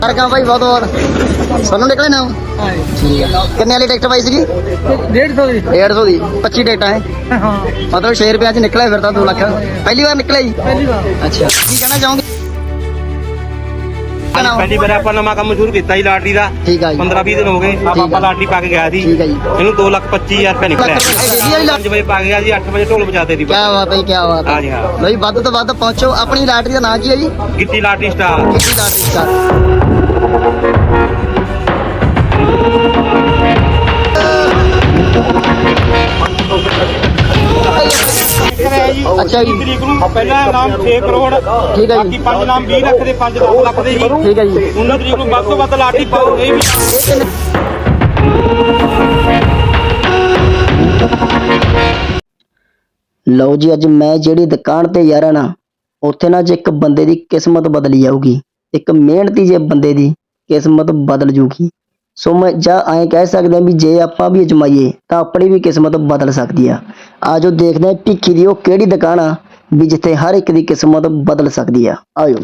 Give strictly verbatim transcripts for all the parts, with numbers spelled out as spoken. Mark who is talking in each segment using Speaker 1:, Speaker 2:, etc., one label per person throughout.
Speaker 1: का भाई बहुत बहुत सोनू निकले ना ठीक है। कितने वाली टिकट पाई सी?
Speaker 2: डेढ़ सौ
Speaker 1: डेढ़ सौ की पच्ची टिकट है
Speaker 2: हाँ
Speaker 1: मतलब छे रुपया च निकला फिर तो दो लाख पहली बार निकला जी।
Speaker 2: पहली बार
Speaker 1: अच्छा की कहना चाहोगे?
Speaker 3: ਪਹਿਲੀ ਵਾਰ ਆਪਾਂ ਨਵਾਂ ਕੰਮ ਸ਼ੁਰੂ ਕੀਤਾ ਜੀ ਲਾਟਰੀ ਦਾ।
Speaker 1: ਠੀਕ ਆ ਜੀ
Speaker 3: ਪੰਦਰਾਂ ਵੀਹ ਦਿਨ ਹੋ ਗਏ ਆਪਾਂ ਆਪਾਂ ਲਾਟਰੀ ਪਾ ਕੇ ਗਿਆ ਸੀ।
Speaker 1: ਠੀਕ ਆ ਜੀ
Speaker 3: ਇਹਨੂੰ ਦੋ ਲੱਖ ਪੱਚੀ ਹਜ਼ਾਰ ਰੁਪਏ ਨਿਕਲਿਆ।
Speaker 1: ਕੀ
Speaker 3: ਪੰਜ ਵਜੇ ਪਾ ਕੇ ਗਿਆ ਜੀ, ਅੱਠ ਵਜੇ ਢੋਲ ਵਜਾਤੇ ਦੀ।
Speaker 1: ਬਾਤ ਹੈ ਕੀ ਬਾਤ ਹੈ।
Speaker 3: ਹਾਂ ਜੀ ਹਾਂ
Speaker 1: ਬਈ ਵੱਧ ਤੋਂ ਵੱਧ ਪਹੁੰਚੋ। ਆਪਣੀ ਲਾਟਰੀ ਦਾ ਨਾਂ ਕੀ ਹੈ ਜੀ?
Speaker 3: Gitti lottery star.
Speaker 1: Gitti lottery star. ਅੱਛਾ ਜੀ
Speaker 3: ਤਰੀਕ ਨੂੰ ਪਹਿਲਾ ਇਨਾਮ ਛੇ ਕਰੋੜ,
Speaker 1: ਠੀਕ ਹੈ
Speaker 3: ਬਾਕੀ
Speaker 1: ਜੀ
Speaker 3: ਪੰਜ ਇਨਾਮ ਵੀਹ ਲੱਖ ਦੇ, ਪੰਜ ਦਸ ਲੱਖ ਦੇ ਜੀ।
Speaker 1: ਠੀਕ ਹੈ ਜੀ
Speaker 3: ਉਨ੍ਹਾਂ ਤਰੀਕ ਨੂੰ ਵੱਧ ਤੋਂ ਵੱਧ ਲਾਟਰੀ ਪਾਓ। ਇਹ ਵੀ
Speaker 1: ਲਓ ਜੀ ਅੱਜ ਮੈਂ ਜਿਹੜੀ ਦੁਕਾਨ ਤੇ ਯਾਰਾਂ ਨਾ ਉੱਥੇ ਨਾ ਜੇ ਇੱਕ ਬੰਦੇ ਦੀ ਕਿਸਮਤ ਬਦਲੀ ਜਾਊਗੀ, ਇੱਕ ਮਿਹਨਤੀ ਜੇ ਬੰਦੇ ਦੀ ਕਿਸਮਤ ਬਦਲ ਜੂਗੀ। ਸੋ ਮੈਂ ਜਾਂ ਐਂ ਕਹਿ ਸਕਦਾ ਵੀ ਜੇ ਆਪਾਂ ਵੀ ਅਜਮਾਈਏ ਤਾਂ ਆਪਣੀ ਵੀ ਕਿਸਮਤ ਬਦਲ ਸਕਦੀ ਆ। ਆਜੋ ਦੇਖਦੇ ਹਾਂ ਭਿੱਖੀ ਦੀ ਉਹ ਕਿਹੜੀ ਦੁਕਾਨ ਆ ਵੀ ਜਿੱਥੇ ਹਰ ਇੱਕ ਦੀ ਕਿਸਮਤ ਬਦਲ ਸਕਦੀ ਆ। ਆਜੋ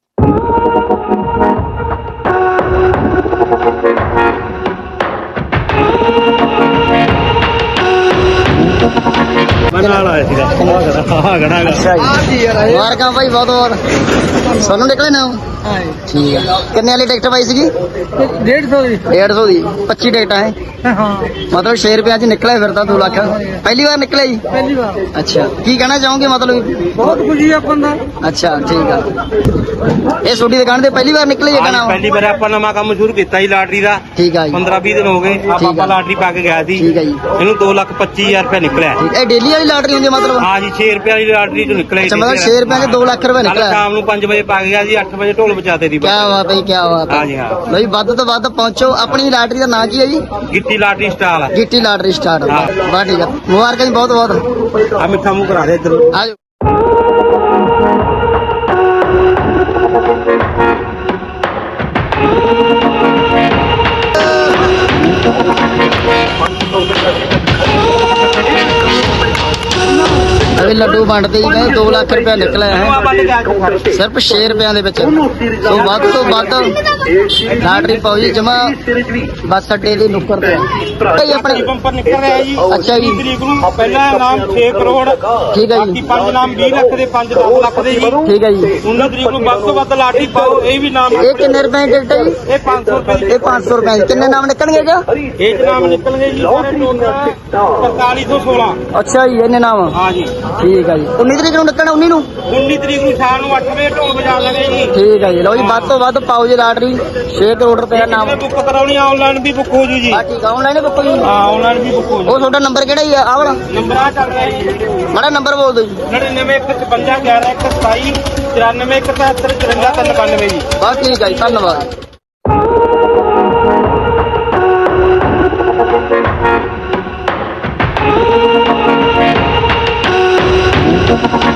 Speaker 3: ਨਾਲ ਆਇਆ ਸੀਗਾ। ਹਾਂ ਗੜਾ
Speaker 1: ਮੁਬਾਰਕਾਂ ਭਾਈ ਬਹੁਤ ਬਹੁਤ। ਸੋਨੂੰ ਨਿਕਲੇ ਨਾ
Speaker 2: हाँ
Speaker 1: ਠੀਕ ਹੈ। ਕਿੰਨੇ ਵਾਲੀ ਟਿਕਟ ਪਾਈ ਸੀਗੀ?
Speaker 2: डेढ़ सौ
Speaker 1: डेढ़ सौ की पच्ची टिकट है
Speaker 2: हाँ
Speaker 1: मतलब छे रुपया च निकला फिर तो दो लाख पहली बार निकले जी।
Speaker 2: पहली बार
Speaker 1: अच्छा की कहना चाहोगे? मतलब
Speaker 2: बहुत खुशी है अपन दा।
Speaker 1: अच्छा ठीक है। ਇਹ ਛੋਟੀ ਦੁਕਾਨ ਤੇ ਪਹਿਲੀ ਵਾਰ ਨਿਕਲੇ ਇਹ ਨਾਮ?
Speaker 3: ਪਹਿਲੀ ਵਾਰ ਆਪਾਂ ਨਵਾਂ ਕੰਮ ਸ਼ੁਰੂ ਕੀਤਾ ਜੀ ਲਾਟਰੀ ਦਾ।
Speaker 1: ਠੀਕ ਆ ਜੀ
Speaker 3: ਪੰਦਰਾਂ ਵੀਹ ਦਿਨ ਹੋ ਗਏ ਆਪਾਂ ਆਪਾਂ ਲਾਟਰੀ ਪਾ ਕੇ ਗਿਆ ਸੀ।
Speaker 1: ਠੀਕ ਆ ਜੀ
Speaker 3: ਇਹਨੂੰ ਦੋ ਲੱਖ ਪੱਚੀ ਹਜ਼ਾਰ ਰੁਪਏ ਨਿਕਲਿਆ।
Speaker 1: ਠੀਕ ਇਹ ਡੇਲੀ ਵਾਲੀ ਲਾਟਰੀ ਹੁੰਦੀ ਮਤਲਬ?
Speaker 3: ਹਾਂ ਜੀ ਛੇ ਰੁਪਏ ਵਾਲੀ ਲਾਟਰੀ ਚੋਂ ਨਿਕਲਿਆ।
Speaker 1: ਅੱਛਾ ਮਤਲਬ ਛੇ ਰੁਪਏ ਚ ਦੋ ਲੱਖ ਰੁਪਏ
Speaker 3: ਕੱਲ
Speaker 1: ਨਿਕਲਿਆ।
Speaker 3: ਸ਼ਾਮ ਨੂੰ ਪੰਜ ਵਜੇ ਪਾ ਕੇ ਗਿਆ ਜੀ, ਅੱਠ ਵਜੇ ਢੋਲ ਵਜਾਤੇ ਦੀ।
Speaker 1: ਕੀ ਬਾਤ ਹੈ ਕੀ ਬਾਤ ਹੈ।
Speaker 3: ਹਾਂ ਜੀ ਹਾਂ
Speaker 1: ਬਈ ਵੱਧ ਤੋਂ ਵੱਧ ਪਹੁੰਚੋ। ਆਪਣੀ ਲਾਟਰੀ ਦਾ ਨਾਂ ਕੀ ਹੈ ਜੀ?
Speaker 3: Gitti lottery star.
Speaker 1: Gitti lottery star. ਬਾ ਠੀਕ ਹੈ ਮੁਬਾਰਕਾਂ ਜੀ ਬਹੁਤ ਬਹੁਤ।
Speaker 3: ਆ ਮਿੱਠਾ ਮੂੰਹ ਕਰਾ ਦੇ ਇੱਧਰ।
Speaker 1: ਆਜੋ अभी लड्डू वंडते ही गए। दो लाख रुपया निकला है सिर्फ छे रुपया ਦੇ ਵਿੱਚ। ਸੋ ਵੱਧ ਤੋਂ ਵੱਧ ਲਾਟਰੀ ਪਾਓ ਜੀ ਜਮਾ ਬੱਸ ਅੱਡੇ ਦੇ ਨੁੱਕਰ ਤੇ ਭਾਈ ਆਪਣੇ
Speaker 3: ਬੰਪਰ ਨਿਕਲ ਰਿਹਾ ਜੀ।
Speaker 1: ਅੱਛਾ ਜੀ
Speaker 3: ਤਰੀਕ ਨੂੰ ਪਹਿਲਾ ਇਨਾਮ ਛੇ ਕਰੋੜ,
Speaker 1: ਠੀਕ ਹੈ
Speaker 3: ਬਾਕੀ
Speaker 1: ਜੀ
Speaker 3: ਪੰਜ ਇਨਾਮ ਵੀਹ ਲੱਖ ਦੇ, ਪੰਜ ਦਸ ਲੱਖ ਦੇ ਜੀ।
Speaker 1: ਠੀਕ ਹੈ ਜੀ
Speaker 3: ਉਨ੍ਹਾਂ ਤਰੀਕ ਨੂੰ ਵੱਧ ਤੋਂ ਵੱਧ ਲਾਟਰੀ ਪਾਓ। ਇਹ ਵੀ ਨਾਮ
Speaker 1: ਇਹ ਕਿੰਨੇ ਰੁਪਏ ਦੀ ਟਿਕਟ ਹੈ ਜੀ?
Speaker 3: ਇਹ ਪੰਜ ਸੌ ਰੁਪਏ ਦੀ।
Speaker 1: ਇਹ ਪੰਜ ਸੌ ਰੁਪਏ ਦੀ। ਕਿੰਨੇ ਨਾਮ ਨਿਕਲਣਗੇ ਜੀ?
Speaker 3: ਇਹ ਚ ਨਾਮ ਨਿਕਲਣਗੇ ਜੀ ਸਾਰੇ ਟੋਟਲ ਪੰਤਾਲੀ ਸੌ ਸੋਲਾਂ।
Speaker 1: ਅੱਛਾ ਜੀ ਇਹਨੇ ਨਾਮ
Speaker 3: ਹਾਂ ਜੀ
Speaker 1: ਠੀਕ ਹੈ ਜੀ। ਉੱਨੀ ਤਰੀਕ ਨੂੰ ਨਿਕਲਣਾ? ਉੱਨੀ ਨੂੰ
Speaker 3: ਉੱਨੀ ਤਰੀਕ ਨੂੰ ਸ਼ਾਮ ਨੂੰ ਅੱਠ ਵਜੇ ਢੋਲ ਵਜਾ ਲਾਂਗੇ ਜੀ।
Speaker 1: ਠੀਕ ਹੈ ਜੀ। ਲਓ ਜੀ ਵੱਧ ਤੋਂ ਵੱਧ ਪਾਓ ਜੀ ਲਾਟਰੀ। ਛੇ ਕਰੋੜ ਰੁਪਏ ਦਾ ਨਾਮ।
Speaker 3: ਬੁੱਕ ਕਰਾਉਣੀ ਆਨਲਾਈਨ ਵੀ ਬੁੱਕ ਹੋ ਜੂ ਜੀ।
Speaker 1: ਆ ਠੀਕ ਆ ਆਨਲਾਈਨ ਬੁੱਕ ਜੀ।
Speaker 3: ਹਾਂ ਆਨਲਾਈਨ ਵੀ ਬੁੱਕ ਹੋ ਜੂ।
Speaker 1: ਉਹ ਤੁਹਾਡਾ ਨੰਬਰ ਕਿਹੜਾ ਜੀ ਆ ਵਾਲਾ?
Speaker 3: ਨੰਬਰ ਆ ਚੱਲ ਰਿਹਾ ਜੀ।
Speaker 1: ਮਾੜਾ ਨੰਬਰ ਬੋਲ ਦਿਓ ਜੀ।
Speaker 3: ਨੜਿਨਵੇਂ ਇੱਕ ਛਪੰਜਾ ਗਿਆਰਾਂ ਇੱਕ ਸਤਾਈ ਚੁਰਾਨਵੇਂ ਇੱਕ ਤਿਹੱਤਰ ਚੁਰੰਜਾ ਤਿੰਨ ਬਾਨਵੇਂ ਜੀ।
Speaker 1: ਬਸ ਠੀਕ ਹੈ ਜੀ ਧੰਨਵਾਦ।